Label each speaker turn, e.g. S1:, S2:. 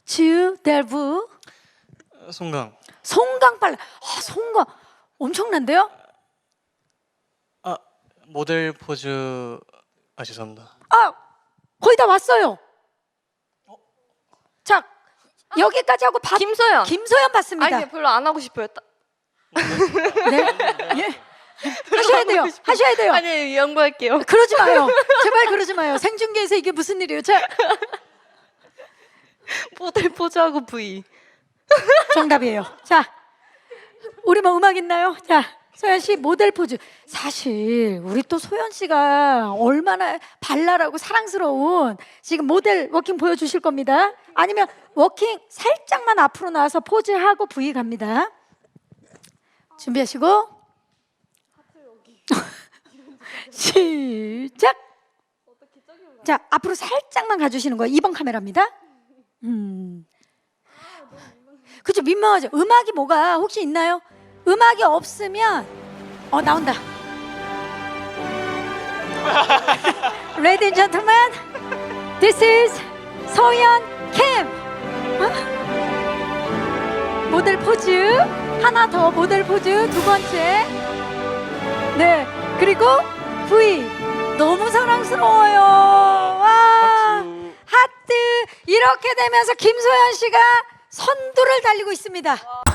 S1: 주델부
S2: 송강.
S1: 송강 빨라. 송강 엄청난데요?
S2: 모델 포즈. 죄송합니다.
S1: 거의 다 왔어요. 자, 여기까지 하고
S3: 김소연.
S1: 김소연 봤습니다.
S3: 아니 별로 안 하고 싶어요.
S1: 네? 예. 하셔야 돼요. 하셔야 돼요.
S3: 아니 양보할게요.
S1: 그러지 마요. 제발 그러지 마요. 생중계에서 이게 무슨 일이에요? 자,
S3: 모델 포즈하고 V.
S1: 정답이에요. 자, 우리 뭐 음악 있나요? 자, 소연 씨 모델 포즈. 사실 우리 또 소연 씨가 얼마나 발랄하고 사랑스러운 지금 모델 워킹 보여주실 겁니다. 아니면 워킹 살짝만 앞으로 나와서 포즈하고 V 갑니다. 준비하시고 시작. 자, 앞으로 살짝만 가주시는 거예요. 2번 카메라입니다. 그쵸, 민망하죠. 음악이 뭐가 혹시 있나요? 음악이 없으면 나온다. Ladies and gentlemen, this is 소연 캠. 모델 포즈 하나 더, 모델 포즈 두 번째. 네, 그리고 V 너무 사랑스러워요. 와, 하트. 이렇게 되면서 김소연 씨가 선두를 달리고 있습니다.